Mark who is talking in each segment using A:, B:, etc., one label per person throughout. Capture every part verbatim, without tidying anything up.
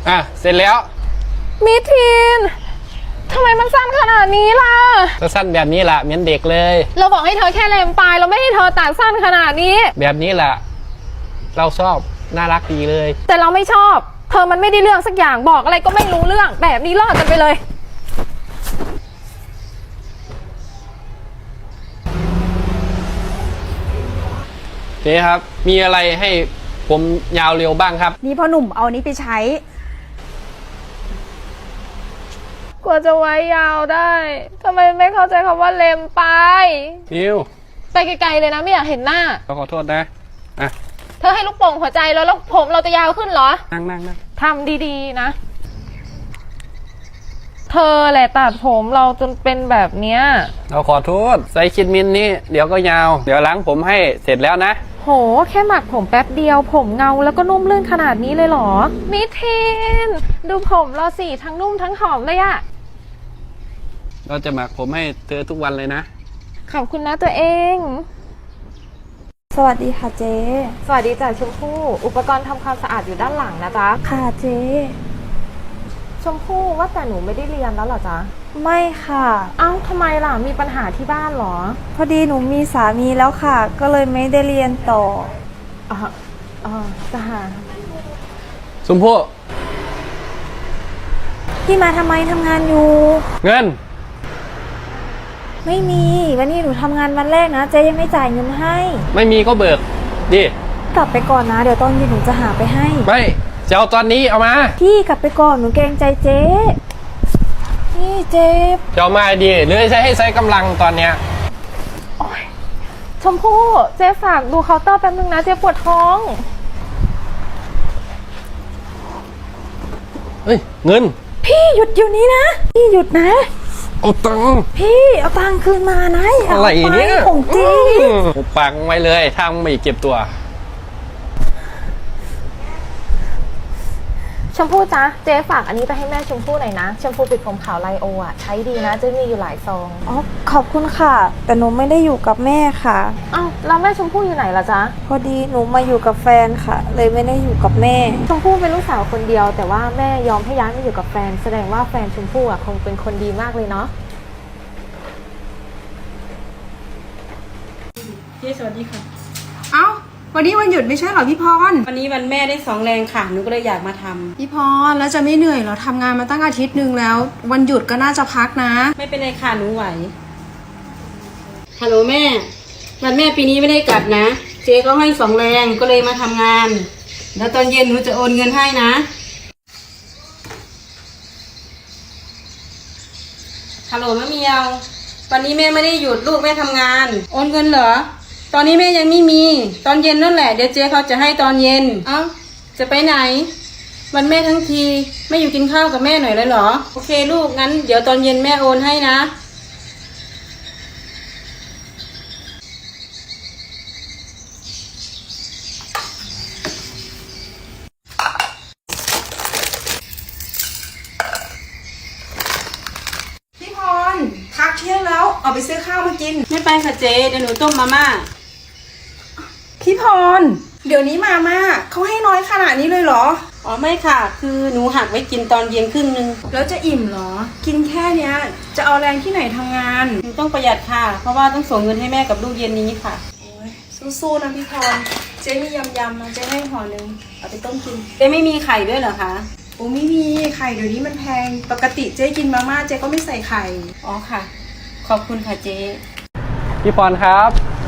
A: อ่ะเสร็จแล้ว
B: มิทีนทำไมมันสั้นขนาดนี้ล่ะ
A: ก็สั้นแบบนี้แหละเหมือนเด็กเลย
B: เราบอกให้เธอแค่เลมปลายเราไม่ให้เธอตัดสั้นขนาดนี้
A: แบบนี้แหละเราชอบน่ารักดีเลย
B: แต่เราไม่ชอบเธอมันไม่ได้เรื่องสักอย่างบอกอะไรก็ไม่รู้เรื่องแบบนี้รอดกันไปเลย
A: เจ๊ครับมีอะไรให้ผมยาวเร็วบ้างครับ
C: นี่พ่อหนุ่มเอานี้ไปใช้
B: กว่าจะไว้ยาวได้ทำไมไม่เข้าใจคำว่าเลมปลาย
A: นิว
B: ไปไกลๆเลยนะไม่อยากเห็นหน้า
A: ขอโทษนะอ่ะ
B: เธอให้ลูกโป่งหัวใจแล้วแล้วผมเราจะยาวขึ้นเหรอ
A: นั่งนั่งนั่ง
B: ทำดีๆนะเธอแหละตัดผมเราจนเป็นแบบเนี้ย
A: เราขอโทษไซคิดมินนี่เดี๋ยวก็ยาวเดี๋ยวล้างผมให้เสร็จแล้วนะ
B: โหแค่หมักผมแป๊บเดียวผมเงาแล้วก็นุ่มลื่นขนาดนี้เลยเหรอมิทีนดูผมเราสิทั้งนุ่มทั้งหอมเลยอะ
A: เราจะหมักผมให้เธอทุกวันเลยนะ
B: ขอบคุณนะตัวเอง
C: สวัสดีค่ะเจ๊
B: สวัสดีจ้ะชมพู่อุปกรณ์ทำความสะอาดอยู่ด้านหลังนะจ๊ะ
C: ค่ะเจ๊
B: ชมพู่ว่าแต่หนูไม่ได้เรียนแล้วเหรอจ๊ะ
C: ไม่ค่ะ
B: เอ้าทำไมล่ะมีปัญหาที่บ้านเหรอ
C: พอดีหนูมีสามีแล้วค่ะก็เลยไม่ได้เรียนต่อ
B: อ๋ออ๋อจ้ะ
A: ชมพู่
C: พี่มาทำไมทำงานอยู่
A: เงิน
C: ไม่มีวันนี้หนูทำงานวันแรกนะเจ๊ยังไม่จ่ายเงินให้
A: ไม่มีก็เบิกดิ
C: กลับไปก่อนนะเดี๋ยวตอนเย็นหนูจะหาไปให้
A: ไม่จะเอาตอนนี้เอามา
C: พี่กลับไปก่อนหนูเกรงใจเจ๊นี่เจ๊
A: จะเอามาดีหรือใช้ให้ใช้กำลังตอนเนี้ย
B: ชมพู่เจ๊ฝากดูเคาน์เตอร์แป๊บนึงนะเจ๊ปวดท้อง
A: เฮ้ยเงิน
C: พี่หยุดอยู่นี้นะพี่หยุดนะ
A: เอาตังค์
C: พี่เอาตังค์คืนมานะ
A: อะไรเนี่ย
C: ของจริง
A: ปังไว้เลยถ้าไม่เก็บตัว
B: ชมพู่จ๊ะเจ๊ฝากอันนี้ไปให้แม่ชมพู่หน่อยนะชมพู่ปิดผมขาวไลโออ่ะใช้ดีนะเจ๊มีอยู่หลายซอง
C: อ๋อขอบคุณค่ะแต่หนูไม่ได้อยู่กับแม่ค่ะ
B: อ้าวแล้วแม่ชมพู่อยู่ไหนล่ะจ๊ะ
C: พอดีหนูมาอยู่กับแฟนค่ะเลยไม่ได้อยู่กับแม่
B: ชมพู่เป็นลูกสาวคนเดียวแต่ว่าแม่ยอมให้ย้ายมาอยู่กับแฟนแสดงว่าแฟนชมพู่อ่ะคงเป็นคนดีมากเลยเนาะ
D: เจ๊สวัสดีค่ะเอ้าวันนี้วันหยุดไม่ใช่เหรอพี่พรวันนี้วันแม่ได้สองแรงค่ะหนูก็เลยอยากมาทำ
E: พี่พรแล้วจะไม่เหนื่อยเหรอทำงานมาตั้งอาทิตย์หนึ่งแล้ววันหยุดก็น่าจะพักนะ
D: ไม่เป็นไรค่ะหนูไหวฮัลโหลแม่วันแม่ปีนี้ไม่ได้กลับนะเจ๊ก็ให้สองแรงก็เลยมาทำงานแล้วตอนเย็นหนูจะโอนเงินให้นะฮัลโหลแม่เมียววันนี้แม่ไม่ได้หยุดลูกแม่ทำงานโอนเงินเหรอตอนนี้แม่ยังไม่มีตอนเย็นนั่นแหละเดี๋ยวเจ๊เขาจะให้ตอนเย็นเอ้าจะไปไหนวันแม่ทั้งทีไม่อยู่กินข้าวกับแม่หน่อยเลยเหรอโอเคลูกงั้นเดี๋ยวตอนเย็นแม่โอนให้นะ
E: พี่พรพักเที่ยงแล้วออกไปซื้อข้าวมากิน
D: ไม่ไปค่ะเจ๊เดี๋ยวหนูต้มมาม่า
E: พี่พรเดี๋ยวนี้มาม่าเขาให้น้อยขนาดนี้เลยเหรอ
D: อ๋อไม่ค่ะคือหนูหักไว้กินตอนเย็นครึ่งนึง
E: แล้วจะอิ่มเหรอกินแค่เนี้ยจะเอาแรงที่ไหนทำงาน
D: หนูต้องประหยัดค่ะเพราะว่าต้องส่งเงินให้แม่กับลูกเย็นนี้ค่ะ
E: สู้ๆนะพี่พรเจ๊มียำยำนะเจ๊ให้ห่อหนึ่งเอาไปต้มกิน
D: เจ๊ไม่มีไข่ด้วยเหรอคะ
E: โอ้ไม่มีไข่เดี๋ยวนี้มันแพงปกติเจ๊กินมาม่าเจ๊ก็ไม่ใส่ไข่
D: อ๋อค่ะขอบคุณค่ะเจ๊
A: พี่พรครับ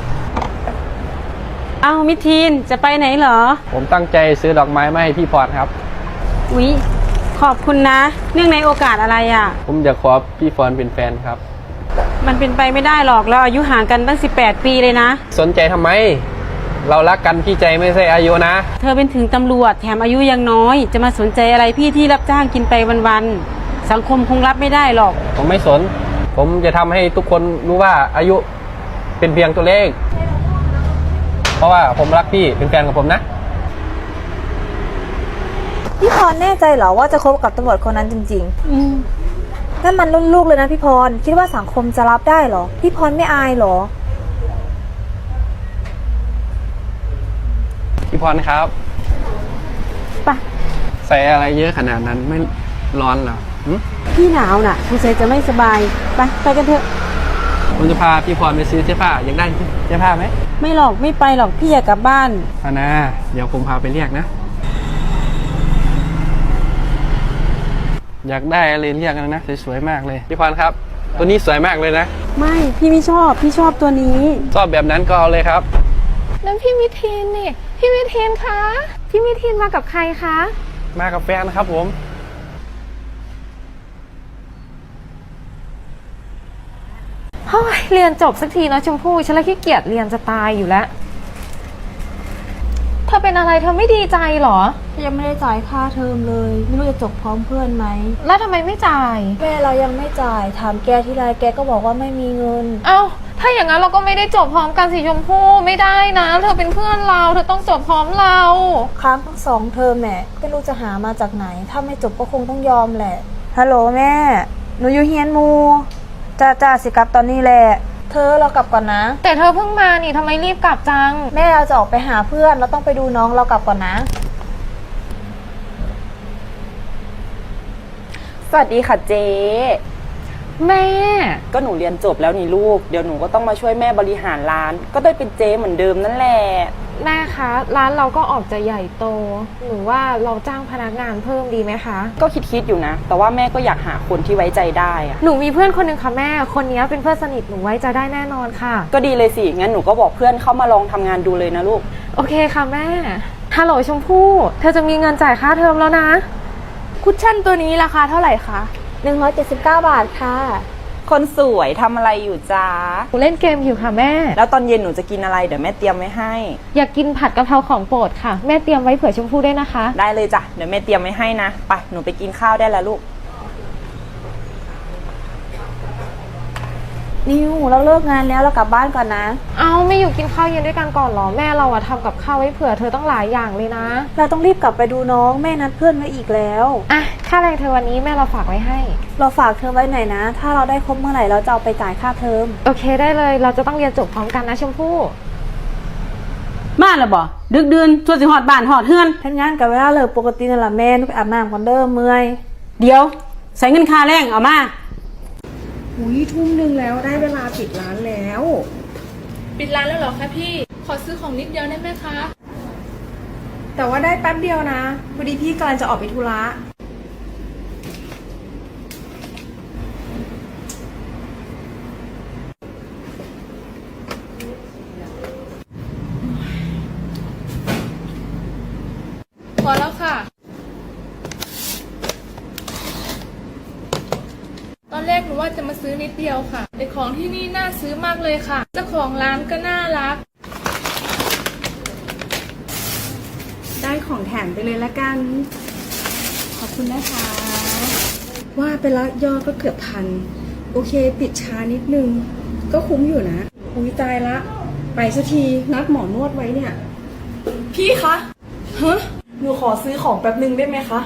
D: อ้าวมิทีนจะไปไหนเหรอ
A: ผมตั้งใจซื้อดอกไม้มาให้พี่พรครับ
D: อุ๊ยขอบคุณนะเนื่องในโอกาสอะไรอ่ะ
A: ผมอยากขอพี่พรเป็นแฟนครับ
D: มันเป็นไปไม่ได้หรอกเราอายุห่างกันตั้งสิบแปดปีเลยนะ
A: สนใจทำไมเรารักกันพี่ใจไม่ใช่อายุนะ
D: เธอเป็นถึงตำรวจแถมอายุยังน้อยจะมาสนใจอะไรพี่ที่รับจ้างกินไปวันๆสังคมคงรับไม่ได้หรอก
A: ผมไม่สนผมจะทำให้ทุกคนรู้ว่าอายุเป็นเพียงตัวเลขเพราะว่าผมรักพี่เป็นแฟนกับผมนะ
C: พี่พรแน่ใจเหรอว่าจะคบกับตำรวจคนนั้นจริงๆอืมนั่นมันรุ่นลูกเลยนะพี่พรคิดว่าสังคมจะรับได้เหรอพี่พรไม่อายเหรอ
A: พี่พรครับ
C: ไป
A: ใส่อะไรเยอะขนาดนั้นไม่ร้อนเหรอหึ
D: พี่หนาวน่ะคุณเซจะไม่สบายไปไปกันเถอะ
A: ผมจะพาพี่พรไปซื้อเสื้อผ้าอยากได้เสื้อผ้าไหม
D: ไม่หรอกไม่ไปหรอกพี่อยากกลับบ้าน
A: เอานะเดี๋ยวผมพาไปเรียกนะ อยากได้อะไรเรียกกันนะสวยๆมากเลยพี่พรครับ ตัวนี้สวยมากเลยนะ
D: ไม่พี่ไม่ชอบพี่ชอบตัวนี้
A: ชอบแบบนั้นก็เอาเลยครับ
B: นั่นพี่มิทีนนี่ พี่มิทีนคะ พี่มิทีนมากับใครคะ
A: มากับแฟนนะครับผม
B: เฮ้ยเรียนจบสักทีนะชมพู่ฉันละขี้เกียจเรียนจะตายอยู่แล้ว เธอเป็นอะไรเธอไม่ดีใจเหรอ
C: ยังไม่ได้จ่ายค่าเทอมเลย ไม่รู้จะจบพร้อมเพื่อนไหม
B: แล้วทำไมไม่จ่าย
C: แม่เรายังไม่จ่าย ถามแกที่ไรแกก็บอกว่าไม่มีเงิน
B: เอ้า ถ้าอย่างนั้นเราก็ไม่ได้จบพร้อมกันสิชมพู่ไม่ได้นะ เธอเป็นเพื่อนเรา เธอต้องจบพร้อมเรา
C: ค้างทั้งสองเทอมแม่ไม่รู้จะหามาจากไหน ถ้าไม่จบก็คงต้องยอมแหละ ฮัลโหลแม่ หนูอยู่เฮียนมูจ้าจ้าสิกลับตอนนี้แหละ เธอเรากลับก่อนนะ
B: แต่เธอเพิ่งมานี่ทำไมรีบกลับจัง
C: แม่เราจะออกไปหาเพื่อน เราต้องไปดูน้องเรากลับก่อนนะ
E: สวัสดีค่ะเจ๊
B: แม่
E: ก็หนูเรียนจบแล้วนี่ลูกเดี๋ยวหนูก็ต้องมาช่วยแม่บริหารร้าน ก็ได้เป็นเจ๊เหมือนเดิมนั่นแหละ
B: แม่คะ ร้านเราก็ออกจะใหญ่โต หนูว่าเราจ้างพนักงานเพิ่มดีไหมคะ
E: ก็คิดๆอยู่นะ แต่ว่าแม่ก็อยากหาคนที่ไว้ใจได้อะ
B: หนูมีเพื่อนคนหนึ่งค่ะแม่ คนนี้เป็นเพื่อนสนิทหนูไว้ใจได้แน่นอนค่ะ
E: ก็ดีเลยสิงั้นหนูก็บอกเพื่อนเข้ามาลองทำงานดูเลยนะลูก
B: โอเคค่ะแม่ ฮัลโหลชมพู่เธอจะมีเงินจ่ายค่าเทอมแล้วนะ
D: คุชชั่นตัวนี้ราคาเท่าไหร่คะ
C: หนึ่งร้อยเจ็ดสิบเก้า บาทค่ะ
E: คนสวยทำอะไรอยู่จ้า
B: หนูเล่นเกมอยู่ค่ะแม่
E: แล้วตอนเย็นหนูจะกินอะไรเดี๋ยวแม่เตรียมไว้ให้
B: อยากกินผัดกะเพราของโปรดค่ะ แม่เตรียมไว้เผื่อชมพู่ด้วยนะคะ
E: ได้เลยจ้ะเดี๋ยวแม่เตรียมไว้ให้นะไปหนูไปกินข้าวได้แล้วลูก
C: นิวเราเลิกงานแล้วเรากลับบ้านก่อนนะ
B: เอาไม่อยู่กินข้าวเย็นด้วยกันก่อนเหรอ แม่เราอะทำกับข้าวไว้เผื่อเธอต้องหลายอย่างเลยนะ
C: เราต้องรีบกลับไปดูน้องแม่นัดเพื่อนไว้อีกแล้ว
B: อ่ะค่าแรงเธอวันนี้แม่เราฝากไว้ให้
C: เราฝากเธอไว้หน่อยนะ ถ้าเราได้ครบเมื่อไหร่เราจะเอาไปจ่ายค่าเทอม
B: โอเคได้เลย เราจะต้องเรียนจบพร้อมกันนะชมพู่
D: มาแล้วบ่ดึกเดือนชวนสิหอดบ้านหอดเฮือน
C: ทำงานกับเวลาเลิกปกตินั่นแหละแม่หนุไปอาบน้ำก่อนเด้อเมื่อย
D: เดี๋ยวใส่เงินค่าแรงเอามา
E: อุ้ยทุ่มหนึ่งแล้วได้เวลาปิดร้านแล้ว
F: ปิดร้านแล้วเหรอคะพี่ ขอซื้อของนิดเดียวได้ไหมคะ
E: แต่ว่าได้แป๊บเดียวนะพอดีพี่กำลังจะออกไปธุระ
F: พอแล้วค่ะ ตอนแรกหนูว่าจะมาซื้อนิดเดียวค่ะ แต่ของที่นี่น่าซื้อมากเลยค่ะ เจ้าของร้านก็น่ารัก
E: ได้ของแถมไปเลยละกัน ขอบคุณนะคะ ว่าไปแล้วยอดก็เกือบพัน โอเคปิดช้านิดนึง ก็คุ้มอยู่นะอุ้ยตายละ ไปสักทีนัดหมอนวดไว้เนี่ย
F: พี่คะ
E: ฮะหนูขอซื้อของแป๊บนึงได้ไหมคะ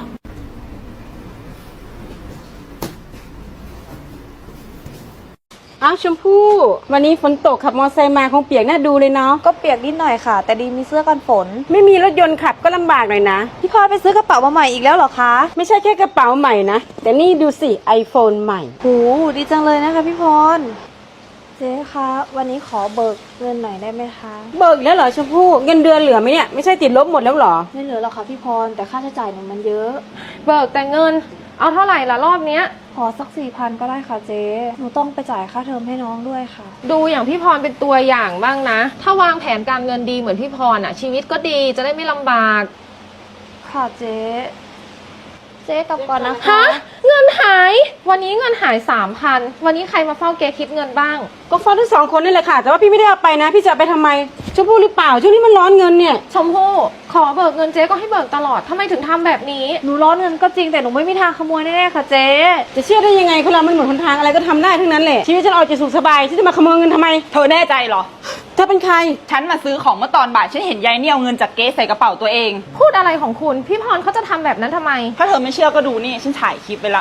D: อ้าวชมพู่วันนี้ฝนตกขับมอเตอร์ไซค์มาคงเปียกน่าดูเลยเนาะ
C: ก็เปียกนิดหน่อยค่ะ แต่ดีมีเสื้อกันฝน
D: ไม่มีรถยนต์ขับก็ลำบากหน่อยนะ
C: พี่พรไปซื้อกระเป๋ามาใหม่อีกแล้วเหรอคะ
D: ไม่ใช่แค่กระเป๋าใหม่นะ แต่นี่ดูสิ iPhone ใหม่
C: หูดีจังเลยนะคะพี่พร เจ๊คะ วันนี้ขอเบิกเงินหน่อยได้ไหมคะ
D: เบิกแล้วเหรอชมพู่เงินเดือนเหลือไหมเนี่ยไม่ใช่ติดลบหมดแล้วเหรอ
C: ไม่เหลือหรอกค่ะพี่พร แต่ค่าใช้จ่ายหนูมันเยอะ
B: เบิกแต่เงิน เอาเท่าไหร่ละรอบเนี้ย
C: ขอสักสี่พันก็ได้ค่ะเจ๊ หนูต้องไปจ่ายค่าเทอมให้น้องด้วยค่ะ
B: ดูอย่างพี่พรเป็นตัวอย่างบ้างนะ ถ้าวางแผนการเงินดีเหมือนพี่พรอ่ะ ชีวิตก็ดีจะได้ไม่ลำบาก
C: ค่ะเจ๊ เจ๊กลับก่อนนะคะ
B: ฮะ เงินหาย วันนี้เงินหายสามพันวันนี้ใครมาเฝ้าเกคิดเงินบ้าง
D: ก็ฟ้องทั้งสองคนนี่แหละค่ะ แต่ว่าพี่ไม่ได้เอาไปนะ พี่จะเอาไปทำไมชมพู่หรือเปล่าช่วงนี้มันร้อนเงินเนี่ย
B: ชมพู่ขอเบิกเงินเจ๊ก็ให้เบิกตลอดทำไมถึงทำแบบนี้
C: หนูร้อนเงินก็จริงแต่หนูไม่มีทางขโมยแน่ๆค่ะเจ๊
D: จะเชื่อได้ยังไงคนเรามันหมดหนทางอะไรก็ทำได้ทั้งนั้นแหละชีวิตฉันเอาจะสุขสบายฉันจะมาขโมยเงินทำไม
G: เธอแน่ใจเหรอ
D: เธอเป็นใคร
G: ฉันมาซื้อของเมื่อตอนบ่าย ฉันเห็นยายเนี่ยเอาเงินจากเก๊ใส่กระเป๋าตัวเอง
B: พูดอะไรของคุณ พี่พรเขาจะทำแบบนั้นทำไม
G: ถ้าเธอไม่เชื่อก็ดูนี่ ฉันถ่ายคลิปไปละ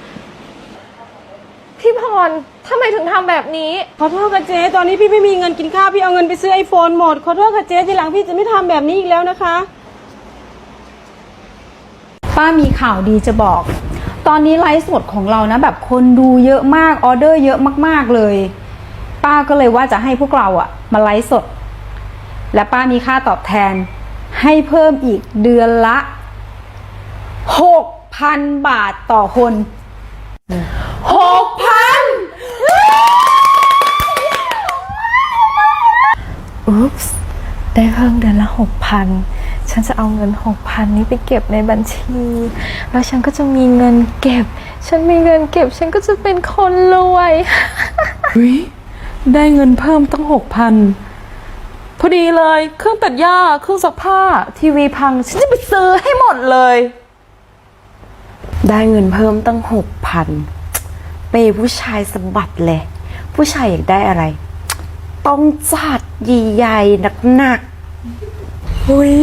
B: พี่พรทำไมถึงทำแบบนี้
D: ขอโทษค่ะเจ๊ตอนนี้พี่ไม่มีเงินกินข้าวพี่เอาเงินไปซื้อไอโฟนหมดขอโทษค่ะเจ๊ทีหลังพี่จะไม่ทำแบบนี้อีกแล้วนะคะ
H: ป้ามีข่าวดีจะบอก ตอนนี้ไลฟ์สดของเรานะแบบคนดูเยอะมากออเดอร์เยอะมากๆเลยป้าก็เลยว่าจะให้พวกเราอะมาไลฟ์สดและป้ามีค่าตอบแทนให้เพิ่มอีกเดือนละหกพันบาทต่อคนหกพัน
B: อุ๊ปส์ได้เพิ่มเดือนละหกพันฉันจะเอาเงินหกพันนี้ไปเก็บในบัญชี แล้วฉันก็จะมีเงินเก็บ ฉันมีเงินเก็บ ฉันก็จะเป็นคนรวย
I: เฮ้ยได้เงินเพิ่มตั้งหกพันพอดีเลยเครื่องตัดหญ้าเครื่องซักผ้าทีวีพังฉันจะไปซื้อให้หมดเลย
J: ได้เงินเพิ่มตั้งหกพันเปย์ผู้ชายสะบัดเลย ผู้ชายอยากได้อะไร ต้องจัดใหญ่ๆหนักๆเฮ้ย